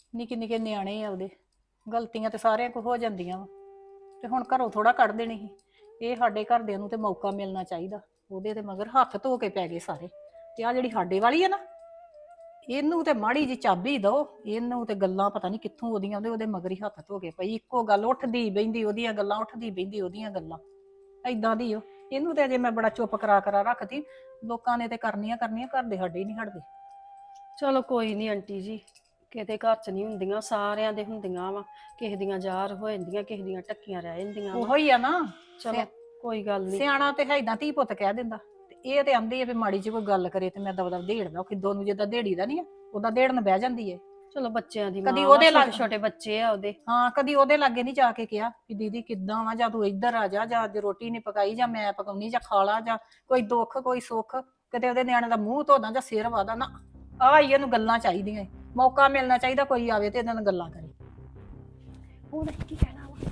[SPEAKER 3] ਨਿੱਕੇ ਨਿੱਕੇ ਨਿਆਣੇ ਆ ਉਹਦੇ, ਗਲਤੀਆਂ ਤੇ ਸਾਰਿਆਂ ਕੋ ਹੋ ਜਾਂਦੀਆਂ ਵਾ, ਤੇ ਹੁਣ ਘਰੋਂ ਥੋੜਾ ਕੱਢ ਦੇਣੀ ਸੀ। ਇਹ ਸਾਡੇ ਘਰਦਿਆਂ ਨੂੰ ਤੇ ਮੌਕਾ ਮਿਲਣਾ ਚਾਹੀਦਾ। ਉਹਦੇ ਤੇ ਮਗਰ ਹੱਥ ਧੋ ਕੇ ਪੈ ਗਏ ਸਾਰੇ। ਤੇ ਆ ਜਿਹੜੀ ਸਾਡੇ ਵਾਲੀ ਆ ਨਾ, ਇਹਨੂੰ ਤੇ ਮਾੜੀ ਜੀ ਚਾਬੀ ਦੋ, ਇਹਨੂੰ ਤੇ ਗੱਲਾਂ ਪਤਾ ਨਹੀਂ ਕਿੱਥੋਂ ਉਹਦੀਆਂ ਉਹਦੇ ਉਹਦੇ ਮਗਰ ਹੀ ਹੱਥ ਧੋ ਕੇ ਪਈ। ਇੱਕੋ ਗੱਲ ਉੱਠਦੀ ਬਹਿੰਦੀ ਉਹਦੀਆਂ ਗੱਲਾਂ, ਉੱਠਦੀ ਬਹਿੰਦੀ ਉਹਦੀਆਂ ਗੱਲਾਂ, ਐਦਾਂ ਦੀ ਉਹ। ਇਹਨੂੰ ਤੇ ਅਜੇ ਮੈਂ ਬੜਾ ਚੁੱਪ ਕਰਾ ਕਰਾ ਰੱਖਦੀ। ਲੋਕਾਂ ਨੇ ਤੇ ਕਰਨੀਆਂ ਕਰਨੀਆਂ, ਘਰ ਦੇ ਸਾਡੇ ਹੀ ਨਹੀਂ ਹਟਦੇ।
[SPEAKER 5] ਚਲੋ ਕੋਈ ਨਹੀਂ ਆਂਟੀ ਜੀ, ਕਿਤੇ ਘਰ 'ਚ ਨਹੀਂ ਹੁੰਦੀਆਂ, ਸਾਰਿਆਂ ਦੇ ਹੁੰਦੀਆਂ ਵਾ। ਕਿਸੇ ਦੀਆਂ ਜ਼ਾਹਰ ਹੋ ਜਾਂਦੀਆਂ, ਕਿਸੇ ਦੀਆਂ ਟੱਕੀਆਂ ਰਹਿ ਜਾਂਦੀਆਂ ਵਾ।
[SPEAKER 3] ਉਹੋ ਹੀ ਆ ਨਾ,
[SPEAKER 5] ਚਲੋ ਕੋਈ ਗੱਲ ਨਹੀਂ।
[SPEAKER 3] ਸਿਆਣਾ ਤੇ ਏਦਾਂ ਧੀ ਪੁੱਤ ਕਹਿ ਦਿੰਦਾ। ਤੇ ਇਹ ਤੇ ਆਂਦੀ ਆ ਵੀ ਮਾੜੀ ਜਿਹੀ ਕੋਈ ਗੱਲ ਕਰੇ ਤੇ ਮੈਂ ਦਬ ਦਬ ਦੇੜਦਾ। ਖਿੱਦੋ ਨੂੰ ਜਿੱਦਾਂ ਦੇੜੀਦਾ ਨਹੀਂ ਆ, ਉਹਦਾ ਦੇੜਨ ਬਹਿ ਜਾਂਦੀ ਏ।
[SPEAKER 5] ਚਲੋ ਬੱਚਿਆਂ ਦੀ
[SPEAKER 3] ਕਦੀ
[SPEAKER 5] ਮਾਂ
[SPEAKER 3] ਉਹਦੇ
[SPEAKER 5] ਵਾ,
[SPEAKER 3] ਲੱਗ-
[SPEAKER 5] ਛੋਟੇ ਛੋਟੇ ਬੱਚੇ ਆ ਉਹਦੇ।
[SPEAKER 3] ਹਾਂ, ਕਦੀ ਉਹਦੇ ਲਾਗੇ ਨਹੀਂ ਜਾ ਕੇ ਕਿਹਾ ਕਿ ਦੀਦੀ ਕਿੱਦਾਂ ਵਾ, ਜਾਂ ਤੂੰ ਇੱਧਰ ਆ ਜਾ, ਜਾਂ ਅੱਜ ਰੋਟੀ ਨਹੀਂ ਪਕਾਈ, ਜਾਂ ਮੈਂ ਪਕਾਉਣੀ, ਜਾਂ ਖਾ ਲਾ, ਜਾਂ ਕੋਈ ਦੁੱਖ ਕੋਈ ਸੁੱਖ। ਕਿਤੇ ਉਹਦੇ ਨਿਆਣੇ ਦਾ ਮੂੰਹ ਧੋਦਾ ਜਾਂ ਸਿਰ ਵਾਦਾ ਨਾ। ਆਹ ਹੀ ਇਹਨੂੰ ਗੱਲਾਂ ਚਾਹੀਦੀਆਂ ਏ। ਮੌਕਾ ਮਿਲਣਾ ਚਾਹੀਦਾ, ਕੋਈ ਆਵੇ ਤੇ ਇਹਨਾਂ ਨਾਲ ਗੱਲਾਂ ਕਰੇ।
[SPEAKER 5] ਉਹਨੇ ਕੀ ਕਹਿਣਾ ਵਾ?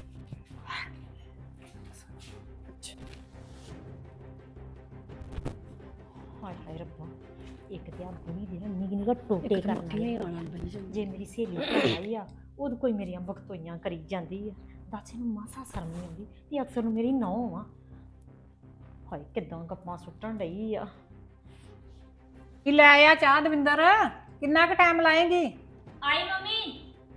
[SPEAKER 4] ਹਾਏ ਹਾਏ ਰੱਬਾ, ਇੱਕ ਤੇ ਆ ਬੁਣੀ ਦੇ ਨਾ ਨਿੱਘ ਨਿੱਘ ਟੋਟੇ ਕਰਨ ਵਾਲੀ।
[SPEAKER 5] ਆਣਾ ਬਈ ਜੀ।
[SPEAKER 4] ਜੇ ਮੇਰੀ ਸਹੇਲੀ ਘਰ ਆਈ ਆ, ਉਦੋਂ ਕੋਈ ਮੇਰੀਆਂ ਬਖਤੋਈਆਂ ਕਰੀ ਜਾਂਦੀ ਆ। ਦੱਸ ਇਹਨੂੰ ਮਾਸਾ ਸ਼ਰਮ ਨਹੀਂ ਆਉਂਦੀ ਤੇ ਅਕਸਰ ਨੂੰ ਮੇਰੀ ਨੌਂ ਆ। ਹਾਏ ਕਿੱਦਾਂ ਗੱਪਾਂ ਸੁੱਟਣ ਡਈ ਆ।
[SPEAKER 3] ਕਿ ਲੈ ਆ ਚਾਹ ਦਵਿੰਦਰ, ਕਿੰਨਾ ਕੁ ਟਾਈਮ ਲਾਏਗੀ?
[SPEAKER 4] ਆਈ ਮੰਮੀ।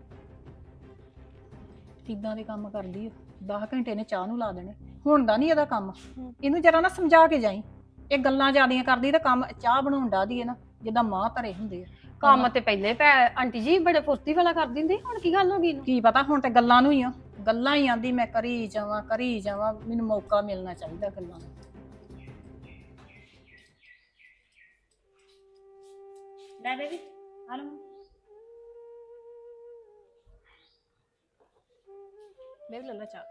[SPEAKER 3] ਕਿੱਦਾਂ ਦੇ ਕੰਮ ਕਰਦੀ ਆ। ਦਸ ਘੰਟੇ ਨੇ ਚਾਹ ਨੂੰ ਲਾ ਦੇਣੇ। ਹੁਣ ਦਾ ਨਹੀਂ ਇਹਦਾ ਕੰਮ। ਇਹਨੂੰ ਜਰਾ ਨਾ ਸਮਝਾ ਕੇ ਜਾਈ। ਇਹ ਗੱਲਾਂ ਜ਼ਿਆਦੀਆਂ ਕਰਦੀ ਤੇ ਕੰਮ ਚਾਹ ਬਣਾਉਣ ਦਾ ਦੀ ਹੈ ਨਾ, ਜਿੱਦਾਂ ਮਾਂ ਧਰੇ ਹੁੰਦੇ ਆ।
[SPEAKER 5] ਕੰਮ ਤੇ ਪਹਿਲੇ ਪੈ ਆਂਟੀ ਜੀ ਬੜੇ ਫੁਰਤੀ ਵਾਲਾ ਕਰ ਦਿੰਦੀ, ਹੁਣ ਕੀ ਗੱਲ ਹੋ ਗਈ ਇਹਨੂੰ?
[SPEAKER 3] ਕੀ ਪਤਾ, ਹੁਣ ਤੇ ਗੱਲਾਂ ਨੂੰ ਹੀ ਆ। ਗੱਲਾਂ ਹੀ ਆਂਦੀ ਮੈਂ ਕਰੀ ਜਾਵਾਂ ਕਰੀ ਜਾਵਾਂ। ਮੈਨੂੰ ਮੌਕਾ ਮਿਲਣਾ ਚਾਹੀਦਾ ਗੱਲਾਂ ਦਾ।
[SPEAKER 4] ਲੈ ਬੇਬੀ ਆ ਲਓ।
[SPEAKER 3] ਬੇਬੀ ਲੱਲਾ ਚਾਹ।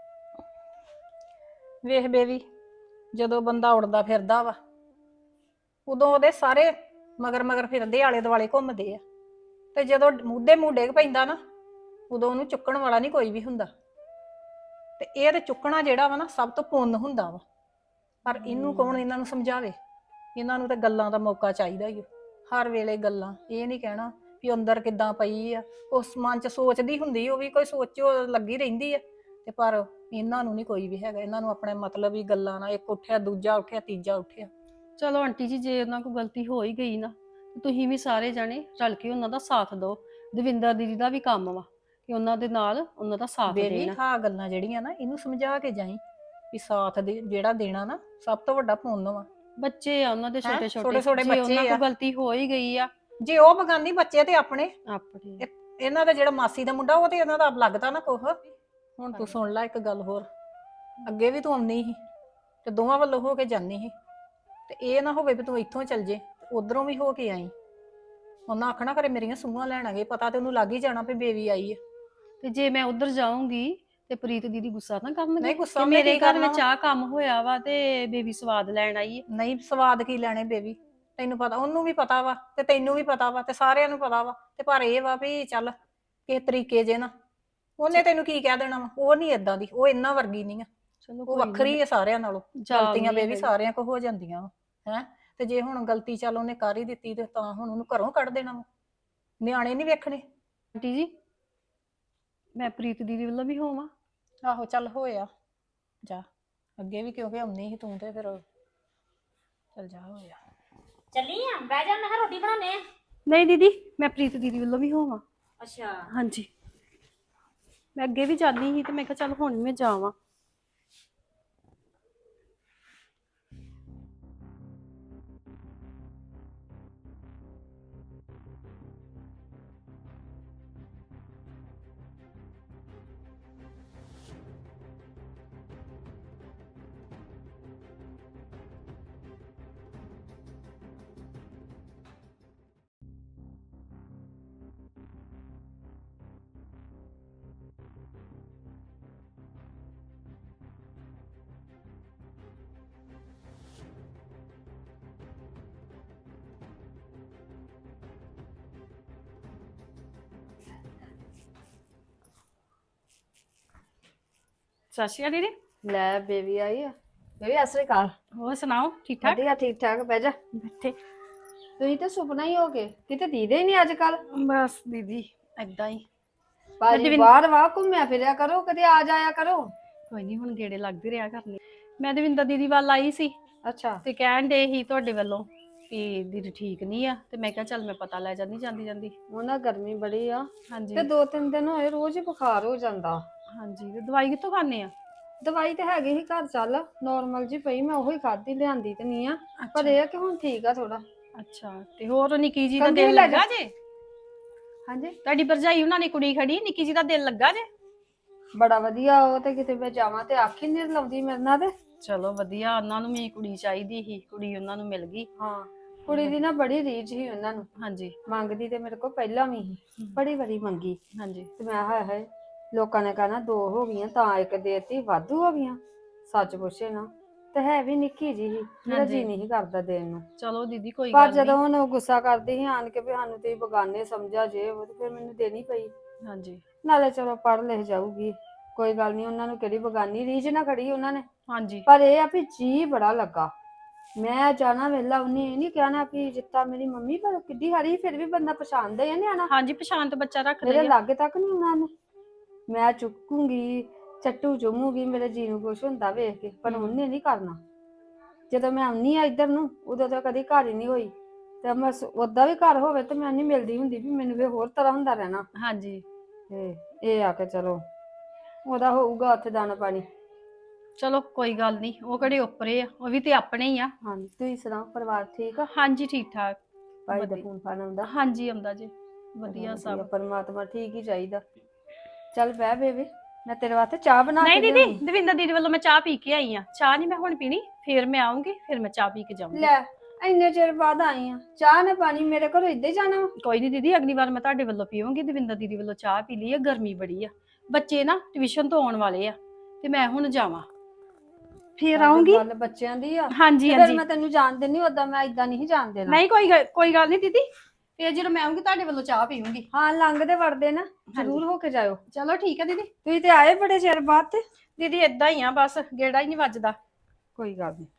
[SPEAKER 3] ਵੇਖ ਬੇਬੀ, ਜਦੋਂ ਬੰਦਾ ਉੜਦਾ ਫਿਰਦਾ ਵਾ, ਉਦੋਂ ਉਹਦੇ ਸਾਰੇ ਮਗਰ ਮਗਰ ਫਿਰਦੇ, ਆਲੇ ਦੁਆਲੇ ਘੁੰਮਦੇ ਆ। ਤੇ ਜਦੋਂ ਮੁੱਦੇ ਮੂੰਹ ਡਿੱਗ ਪੈਂਦਾ ਨਾ, ਉਦੋਂ ਉਹਨੂੰ ਚੁੱਕਣ ਵਾਲਾ ਨਹੀਂ ਕੋਈ ਵੀ ਹੁੰਦਾ। ਤੇ ਇਹ ਤੇ ਚੁੱਕਣਾ ਜਿਹੜਾ ਵਾ ਨਾ, ਸਭ ਤੋਂ ਪੁੰਨ ਹੁੰਦਾ ਵਾ। ਪਰ ਇਹਨੂੰ ਕੌਣ ਇਹਨਾਂ ਨੂੰ ਸਮਝਾਵੇ? ਇਹਨਾਂ ਨੂੰ ਤੇ ਗੱਲਾਂ ਦਾ ਮੌਕਾ ਚਾਹੀਦਾ ਹੀ। ਹਰ ਵੇਲੇ ਗੱਲਾਂ। ਇਹ ਨਹੀਂ ਕਹਿਣਾ ਵੀ ਅੰਦਰ ਕਿੱਦਾਂ ਪਈ ਆ। ਉਸ ਮਨ ਚ ਸੋਚਦੀ ਹੁੰਦੀ, ਉਹ ਵੀ ਕੋਈ ਸੋਚੋ ਲੱਗੀ ਰਹਿੰਦੀ ਆ। ਤੇ ਪਰ ਇਹਨਾਂ ਨੂੰ ਨਹੀਂ ਕੋਈ ਵੀ ਹੈਗਾ। ਇਹਨਾਂ ਨੂੰ ਆਪਣੇ ਮਤਲਬ ਹੀ ਗੱਲਾਂ ਨਾਲ, ਇੱਕ ਉੱਠਿਆ ਦੂਜਾ ਉੱਠਿਆ ਤੀਜਾ ਉੱਠਿਆ।
[SPEAKER 5] ਚਲੋ ਆਂਟੀ ਜੀ, ਜੇ ਉਹਨਾਂ ਕੋਲ ਗਲਤੀ ਹੋ ਹੀ ਗਈ ਨਾ, ਤੇ ਤੁਸੀਂ ਵੀ ਸਾਰੇ ਜਾਣੇ ਰਲ ਕੇ ਉਹਨਾਂ ਦਾ ਸਾਥ ਦਿਓ। ਦਵਿੰਦਰ ਦੀਦੀ ਦਾ ਵੀ ਕੰਮ ਵਾ ਕਿ ਉਹਨਾਂ ਦੇ ਨਾਲ ਉਹਨਾਂ ਦਾ ਸਾਥ
[SPEAKER 3] ਬੇਬੀ
[SPEAKER 5] ਦੇਣਾ।
[SPEAKER 3] ਹਾਂ, ਗੱਲਾਂ ਜਿਹੜੀਆਂ ਨਾ, ਇਹਨੂੰ ਸਮਝਾ ਕੇ ਜਾਈ ਵੀ ਸਾਥ ਦੇ ਜਿਹੜਾ ਦੇਣਾ ਨਾ, ਸਭ ਤੋਂ ਵੱਡਾ ਪੁੰਨ ਵਾ।
[SPEAKER 5] ਬੱਚੇ ਆ ਉਹਨਾਂ ਦੇ
[SPEAKER 3] ਹੈਂ?
[SPEAKER 5] ਛੋਟੇ
[SPEAKER 3] ਛੋਟੇ-ਛੋਟੇ
[SPEAKER 5] ਛੋਟੇ, ਜੇ
[SPEAKER 3] ਬੱਚੇ
[SPEAKER 5] ਉਹਨਾਂ
[SPEAKER 3] ਆ।
[SPEAKER 5] ਕੋਲ ਗਲਤੀ ਹੋ ਹੀ ਗਈ ਆ
[SPEAKER 3] ਜੇ ਉਹ ਬਗਾਨੀ ਬੱਚੇ ਤੇ ਆਪਣੇ,
[SPEAKER 5] ਆਪਣੇ।
[SPEAKER 3] ਇਹਨਾਂ ਦਾ ਜਿਹੜਾ ਮਾਸੀ ਦਾ ਮੁੰਡਾ, ਉਹ ਤੇ ਇਹਨਾਂ ਦਾ ਲੱਗਦਾ ਨਾ ਕੁਛ। ਹੁਣ ਤੂੰ ਸੁਣ ਲੈ ਇੱਕ ਗੱਲ ਹੋਰ। ਅੱਗੇ ਵੀ ਤੂੰ ਆਉਣੀ ਸੀ ਤੇ ਦੋਵਾਂ ਵੱਲੋਂ ਹੋ ਕੇ ਜਾਂਦੀ ਸੀ। ਤੇ ਇਹ ਨਾ ਹੋਵੇ ਵੀ ਤੂੰ ਇੱਥੋਂ ਚੱਲ ਜੇ, ਉਧਰੋਂ ਵੀ ਹੋ ਕੇ ਆਈ। ਉਹਨਾਂ ਆਖਣਾ ਕਰੇ ਮੇਰੀਆਂ ਸੂਹਾਂ ਲੈਣ ਗਏ, ਪਤਾ ਤੇ ਉਹਨੂੰ ਲੱਗ ਹੀ ਜਾਣਾ ਵੀ ਬੇਬੀ ਆਈ ਹੈ।
[SPEAKER 5] ਤੇ ਜੇ ਮੈਂ ਉਧਰ ਜਾਊਂਗੀ ਤੇ ਪ੍ਰੀਤ ਦੀਦੀ ਗੁੱਸਾ ਨਾ ਕਰਨਗੇ?
[SPEAKER 3] ਨਹੀਂ, ਗੁੱਸਾ
[SPEAKER 5] ਕਿ
[SPEAKER 3] ਉਹਨੇ
[SPEAKER 5] ਮੇਰੇ
[SPEAKER 3] ਕੀ
[SPEAKER 5] ਘਰ
[SPEAKER 3] ਕਰਨਾ
[SPEAKER 5] ਵਿੱਚ ਆਹ ਕੰਮ ਹੋਇਆ ਵਾ ਤੇ ਬੇਬੀ ਸਵਾਦ ਲੈਣ ਆਈ ਹੈ।
[SPEAKER 3] ਨਹੀਂ, ਸਵਾਦ ਕੀ ਲੈਣੇ ਬੇਬੀ? ਤੈਨੂੰ ਪਤਾ, ਉਹਨੂੰ ਵੀ ਪਤਾ ਵਾ ਤੇ ਤੈਨੂੰ ਵੀ ਪਤਾ ਵਾ ਤੇ ਸਾਰਿਆਂ ਨੂੰ ਪਤਾ ਵਾ। ਤੇ ਪਰ ਇਹ ਵਾ ਵੀ ਚੱਲ ਕਿਸੇ ਤਰੀਕੇ ਜੇ ਨਾ, ਉਹਨੇ ਤੈਨੂੰ ਕੀ ਕਹਿ ਦੇਣਾ ਵਾ। ਉਹ ਨਹੀਂ ਏਦਾਂ ਦੀ, ਉਹ ਇਹਨਾਂ ਵਰਗੀ ਨਹੀਂ ਆ।
[SPEAKER 5] ਚਲੋ
[SPEAKER 3] ਉਹ
[SPEAKER 5] ਕੋਈ ਨੀ,
[SPEAKER 3] ਵੱਖਰੀ ਹੈ ਸਾਰਿਆਂ ਨਾਲੋਂ।
[SPEAKER 5] ਜਾ
[SPEAKER 3] ਗਲਤੀਆਂ
[SPEAKER 5] ਆਉਂਦੀ
[SPEAKER 3] ਬੇਬੀ
[SPEAKER 5] ਆ।
[SPEAKER 3] ਸਾਰਿਆਂ ਕੋ ਹੋ ਜਾਂਦੀਆਂ ਵਾ। ਹੈ ਤੇ ਜੇ ਹੁਣ ਗਲਤੀ ਚੱਲ ਉਹਨੇ ਕਰ ਹੀ ਦਿੱਤੀ ਤੇ ਤਾਂ ਹੁਣ ਉਹਨੂੰ ਘਰੋਂ ਕੱਢ ਦੇਣਾ ਵਾ। ਨਿਆਣੇ ਨਹੀਂ ਵੇਖਣੇ।
[SPEAKER 5] ਆਂਟੀ ਜੀ, ਮੈਂ ਪ੍ਰੀਤ ਦੀਦੀ ਵੱਲੋਂ ਵੀ ਹੋਵਾਂ?
[SPEAKER 3] ਆਹੋ ਚੱਲ ਹੋਇਆ ਜਾ। ਅੱਗੇ ਵੀ ਕਿਉਂਕਿ ਆਉਣੀ ਸੀ ਤੂੰ, ਤੇ ਫਿਰ ਚੱਲ ਜਾ ਹੋਇਆ।
[SPEAKER 4] ਚੱਲੀ ਆ, ਬਹਿ ਜਾ, ਮੈਂ ਕਿਹਾ ਰੋਟੀ ਬਣਾਉਣੇ ਆ।
[SPEAKER 5] ਨਹੀਂ ਦੀਦੀ, ਮੈਂ ਪ੍ਰੀਤ ਦੀਦੀ ਵੱਲੋਂ ਵੀ ਹੋਵਾਂ।
[SPEAKER 4] ਅੱਛਾ।
[SPEAKER 5] ਹਾਂਜੀ, ਮੈਂ ਅੱਗੇ ਵੀ ਜਾਂਦੀ ਸੀ ਤੇ ਮੈਂ ਕਿਹਾ ਚੱਲ ਹੁਣ ਮੈਂ ਜਾਵਾਂ। ਸਤਿ ਸ਼੍ਰੀ ਅਕਾਲ ਦੀਦੀ।
[SPEAKER 1] ਲੈ ਬੇਬੀ ਆਈ ਆ। ਬੇਬੀ ਸਤਿ ਸ੍ਰੀ ਅਕਾਲ।
[SPEAKER 5] ਹੋਰ ਸੁਣਾਓ, ਠੀਕ ਠਾਕ?
[SPEAKER 1] ਵਧੀਆ, ਠੀਕ ਠਾਕ। ਬਹਿ ਜਾ।
[SPEAKER 5] ਬੈਠੇ।
[SPEAKER 1] ਤੁਸੀਂ ਤਾਂ ਸੁਪਨਾ ਹੀ ਹੋ ਗਏ, ਕਿਤੇ ਦੀਦੇ ਹੀ ਨਹੀਂ ਅੱਜ ਕੱਲ।
[SPEAKER 5] ਬਸ ਦੀਦੀ ਏਦਾਂ ਹੀ
[SPEAKER 1] ਭਾਜੀ
[SPEAKER 5] ਦਵਿੰ-
[SPEAKER 1] ਬਾਹਰ ਵਾ ਘੁੰਮਿਆ ਫਿਰਿਆ ਕਰੋ, ਕਦੇ ਆ ਜਾਇਆ ਕਰੋ।
[SPEAKER 5] ਕੋਈ ਨਹੀਂ, ਹੁਣ ਗੇੜੇ ਲੱਗਦੇ ਰਿਹਾ ਕਰਨੇ। ਮੈਂ ਦਵਿੰਦਰ ਦੀਦੀ ਵੱਲ ਆਈ ਸੀ
[SPEAKER 1] ਅੱਛਾ
[SPEAKER 5] ਤੇ ਕਹਿਣ ਦੇ ਹੀ ਤੁਹਾਡੇ ਵੱਲੋਂ ਕਿ ਦੀਦੀ ਠੀਕ ਨਹੀਂ ਆ, ਤੇ ਮੈਂ ਕਿਹਾ ਚੱਲ ਮੈਂ ਪਤਾ ਲੈ ਜਾਂਦੀ ਜਾਂਦੀ ਜਾਂਦੀ।
[SPEAKER 1] ਉਹਨਾਂ ਗਰਮੀ ਬੜੀ ਆ
[SPEAKER 5] ਹਾਂਜੀ
[SPEAKER 1] ਤੇ ਦੋ ਤਿੰਨ ਦਿਨ ਹੋਏ ਰੋਜ਼ ਹੀ ਬੁਖਾਰ ਹੋ ਜਾਂਦਾ।
[SPEAKER 5] ਹਾਂਜੀ, ਤੇ ਦਵਾਈ ਕਿੱਥੋਂ ਖਾਣੇ ਆ?
[SPEAKER 1] ਦਵਾਈ ਤੇ ਹੈਗੀ ਸੀ ਘਰ, ਚੱਲ ਨਾਰਮਲ ਜੀ ਪਈ, ਮੈਂ ਉਹੀ ਖਾਧੀ, ਲਿਆਂਦੀ ਤੇ ਨਹੀਂ ਆ, ਪਰ ਇਹ ਆ ਕਿ ਹੁਣ ਠੀਕ ਆ ਥੋੜਾ।
[SPEAKER 5] ਅੱਛਾ, ਤੇ ਹੋਰ ਨਿੱਕੀ ਜੀ ਦਾ
[SPEAKER 1] ਕੰਘੀ
[SPEAKER 5] ਦਿਲ
[SPEAKER 1] ਲੈ
[SPEAKER 5] ਲੱਗਾ ਜੇ?
[SPEAKER 1] ਹਾਂਜੀ
[SPEAKER 5] ਤੁਹਾਡੀ ਭਰਜਾਈ ਉਹਨਾਂ ਨੇ ਕੁੜੀ ਖੜੀ, ਨਿੱਕੀ ਜੀ ਦਾ ਦਿਲ ਲੱਗਾ ਜੇ?
[SPEAKER 1] ਬੜਾ ਵਧੀਆ, ਉਹ ਤੇ ਕਿਤੇ ਮੈਂ ਜਾਵਾਂ ਤੇ ਅੱਖ ਹੀ ਨਹੀਂ ਲਾਉਂਦੀ ਮੇਰੇ ਨਾਲ ਤੇ।
[SPEAKER 5] ਚਲੋ ਵਧੀਆ, ਉਹਨਾਂ ਨੂੰ ਵੀ ਕੁੜੀ ਚਾਹੀਦੀ ਸੀ, ਕੁੜੀ ਉਹਨਾਂ ਨੂੰ ਮਿਲ ਗਈ।
[SPEAKER 1] ਹਾਂ ਕੁੜੀ ਦੀ ਨਾ ਬੜੀ ਰੀਝ ਸੀ ਉਹਨਾਂ ਨੂੰ,
[SPEAKER 5] ਹਾਂਜੀ
[SPEAKER 1] ਮੰਗਦੀ ਤੇ ਮੇਰੇ ਕੋਲ ਪਹਿਲਾਂ ਵੀ ਸੀ, ਬੜੀ ਵਾਰੀ ਮੰਗੀ
[SPEAKER 5] ਹਾਂਜੀ
[SPEAKER 1] ਤੇ ਮੈਂ ਹਾਏ ਹਾਏ ਲੋਕਾਂ ਨੇ ਕਹਿਣਾ ਦੋ ਹੋ ਗਈਆਂ ਤਾਂ ਇੱਕ ਦੇਤੀ, ਵਾਧੂ ਹੋ ਗਈਆਂ। ਸੱਚ ਪੁੱਛੇ ਨਾ ਤੇ ਹੈ ਵੀ ਨਿੱਕੀ ਜੀ ਸੀ, ਮੇਰਾ ਜੀ ਨਹੀਂ ਸੀ ਕਰਦਾ ਦੇਣ ਨੂੰ।
[SPEAKER 5] ਚਲੋ ਦੀਦੀ ਕੋਈ
[SPEAKER 1] ਪਰ
[SPEAKER 5] ਗੱਲ
[SPEAKER 1] ਜਦੋਂ
[SPEAKER 5] ਨਹੀਂ।
[SPEAKER 1] ਹੁਣ ਉਹ ਗੁੱਸਾ ਕਰਦੀ ਸੀ ਆਣ ਕੇ ਵੀ ਸਾਨੂੰ ਤੁਸੀਂ ਬਗਾਨੇ ਸਮਝਿਆ ਜੇ ਉਹ, ਤੇ ਫਿਰ ਮੈਨੂੰ ਦੇਣੀ ਪਈ।
[SPEAKER 5] ਹਾਂਜੀ
[SPEAKER 1] ਨਾਲੇ ਚਲੋ ਪੜ੍ਹ ਲਿਖ ਜਾਊਗੀ, ਕੋਈ ਗੱਲ ਨਹੀਂ, ਉਹਨਾਂ ਨੂੰ ਕਿਹੜੀ ਬਗਾਨੀ ਰੀਝ ਨਾ ਖੜੀ ਉਹਨਾਂ ਨੇ।
[SPEAKER 5] ਹਾਂਜੀ
[SPEAKER 1] ਪਰ ਇਹ ਆ ਵੀ ਜੀ ਬੜਾ ਲੱਗਾ, ਮੈਂ ਜਾਣਾ ਵੇਲਾ, ਉਹਨੇ ਇਹ ਨਹੀਂ ਕਹਿਣਾ ਵੀ ਜਿੱਤਾ ਮੇਰੀ ਮੰਮੀ, ਪਰ ਕਿੱਡੀ ਹਾਰੀ ਫਿਰ ਵੀ ਬੰਦਾ ਪਛਾਣਦਾ ਹੀ ਆ ਨਿਆਣਾ।
[SPEAKER 5] ਹਾਂਜੀ, ਪਛਾਣ ਤੋਂ ਬੱਚਾ ਰੱਖਦਾ
[SPEAKER 1] ਮੇਰੇ
[SPEAKER 5] ਹੀ ਆ।
[SPEAKER 1] ਲਾਗੇ ਤੱਕ ਨਹੀਂ ਉਹਨਾਂ ਨੇ, ਮੈਂ ਚੁੱਕੂਗੀ ਚੱਟੂ ਚੁੰਮੂਗੀ, ਮੇਰੇ ਜੀ ਨੂੰ ਕੁਛ ਹੁੰਦਾ ਵੇਖ ਕੇ, ਪਰ ਉਹਨੇ ਨਹੀਂ ਕਰਨਾ। ਜਦੋਂ ਮੈਂ ਆਉਣੀ ਆ ਇੱਧਰ ਨੂੰ ਉਦੋਂ ਤਾਂ ਕਦੀ ਘਰ ਹੀ ਨਹੀਂ ਹੋਈ, ਤੇ ਮੈਂ ਓਦਾਂ ਵੀ ਘਰ ਹੋਵੇ ਤੇ ਮੈਂ ਨਹੀਂ ਮਿਲਦੀ ਹੁੰਦੀ, ਵੀ ਮੈਨੂੰ ਵੀ ਹੋਰ ਤਰ੍ਹਾਂ ਹੁੰਦਾ ਰਹਿਣਾ।
[SPEAKER 5] ਹਾਂਜੀ
[SPEAKER 1] ਤੇ ਇਹ ਆ ਕੇ ਚਲੋ ਉਹਦਾ ਹੋਊਗਾ ਉੱਥੇ ਦਾਣਾ ਪਾਣੀ।
[SPEAKER 5] ਚਲੋ ਕੋਈ ਗੱਲ ਨਹੀਂ, ਉਹ ਕਿਹੜੇ ਉੱਪਰੇ ਆ, ਉਹ ਵੀ ਤੇ ਆਪਣੇ ਹੀ ਆ।
[SPEAKER 1] ਹਾਂਜੀ ਤੁਸੀਂ ਸੁਣਾਓ, ਪਰਿਵਾਰ ਠੀਕ ਆ?
[SPEAKER 5] ਹਾਂਜੀ ਠੀਕ ਠਾਕ।
[SPEAKER 1] ਭਾਈ ਦਾ
[SPEAKER 5] ਵਧੀਆ।
[SPEAKER 1] ਫੋਨ ਫਾਨ ਆਉਂਦਾ?
[SPEAKER 5] ਹਾਂਜੀ ਆਉਂਦਾ ਜੀ, ਵਧੀਆ ਸਭ।
[SPEAKER 1] ਪਰਮਾਤਮਾ ਠੀਕ ਹੀ ਚਾਹੀਦਾ। ਚੱਲ ਬਹਿ ਬੇਬੀ, ਮੈਂ ਤੇਰੇ ਵਾਸਤੇ ਚਾਹ ਬਣਾ ਕੇ
[SPEAKER 5] ਨਹੀਂ ਦੀਦੀ,
[SPEAKER 1] ਲਿਆਉਂਦੀ।
[SPEAKER 5] ਦਵਿੰਦਰ ਦੀਦੀ ਵੱਲੋਂ ਮੈਂ ਚਾਹ ਪੀ ਕੇ ਆਈ ਆ, ਚਾਹ ਨਹੀਂ ਮੈਂ ਹੁਣ ਪੀਣੀ, ਫਿਰ ਮੈਂ ਆਉਂਗੀ, ਫਿਰ ਮੈਂ ਚਾਹ ਪੀ ਕੇ ਜਾਊਂਗੀ।
[SPEAKER 1] ਲੈ ਇੰਨੇ ਚਿਰ ਬਾਅਦ ਆਈ ਆ, ਚਾਹ ਨਾ ਪਾਣੀ ਮੇਰੇ ਘਰੋਂ ਇੱਦਾਂ ਹੀ ਜਾਣਾ ਵਾ?
[SPEAKER 5] ਕੋਈ ਨਹੀਂ ਦੀਦੀ, ਅਗਲੀ ਵਾਰ ਮੈਂ ਤੁਹਾਡੇ ਵੱਲੋਂ ਪੀਵਾਂਗੀ। ਦਵਿੰਦਰ ਦੀਦੀ ਵੱਲੋਂ ਚਾਹ ਪੀ ਲਈ ਆ, ਗਰਮੀ ਬੜੀ ਆ, ਬੱਚੇ ਨਾ ਟਿਊਸ਼ਨ ਤੋਂ ਆਉਣ ਵਾਲੇ ਆ, ਤੇ ਮੈਂ ਹੁਣ ਜਾਵਾਂ, ਫਿਰ ਆਉਂਗੀ।
[SPEAKER 1] ਗੱਲ ਬੱਚਿਆਂ ਦੀ ਆ।
[SPEAKER 5] ਹਾਂਜੀ
[SPEAKER 1] ਤੇ ਫਿਰ
[SPEAKER 5] ਹਾਂਜੀ,
[SPEAKER 1] ਮੈਂ ਤੈਨੂੰ ਜਾਣ ਦਿੰਦੀ, ਓਦਾਂ ਮੈਂ ਇਦਾਂ ਨਹੀਂ ਜਾਣ ਦੇਣਾ।
[SPEAKER 5] ਨਹੀਂ ਕੋਈ ਗੱਲ- ਕੋਈ ਗੱਲ ਨਹੀਂ ਦੀਦੀ, ਫਿਰ ਜਦੋਂ ਮੈਂ ਆਉਂਗੀ ਤੁਹਾਡੇ ਵੱਲੋਂ ਚਾਹ ਪੀਵਾਂਗੀ।
[SPEAKER 1] ਹਾਂ ਲੰਘਦੇ ਵੜਦੇ ਨਾ ਜ਼ਰੂਰ ਹੋ ਕੇ ਜਾਇਓ।
[SPEAKER 5] ਚਲੋ ਠੀਕ ਹੈ ਦੀਦੀ।
[SPEAKER 1] ਤੁਸੀਂ ਤੇ ਆਏ ਬੜੇ ਚਿਰ ਬਾਅਦ ਤੇ।
[SPEAKER 5] ਦੀਦੀ ਏਦਾਂ ਹੀ ਆ, ਬਸ ਗੇੜਾ ਹੀ ਨਹੀਂ ਵੱਜਦਾ।
[SPEAKER 1] ਕੋਈ ਗੱਲ ਨਹੀਂ।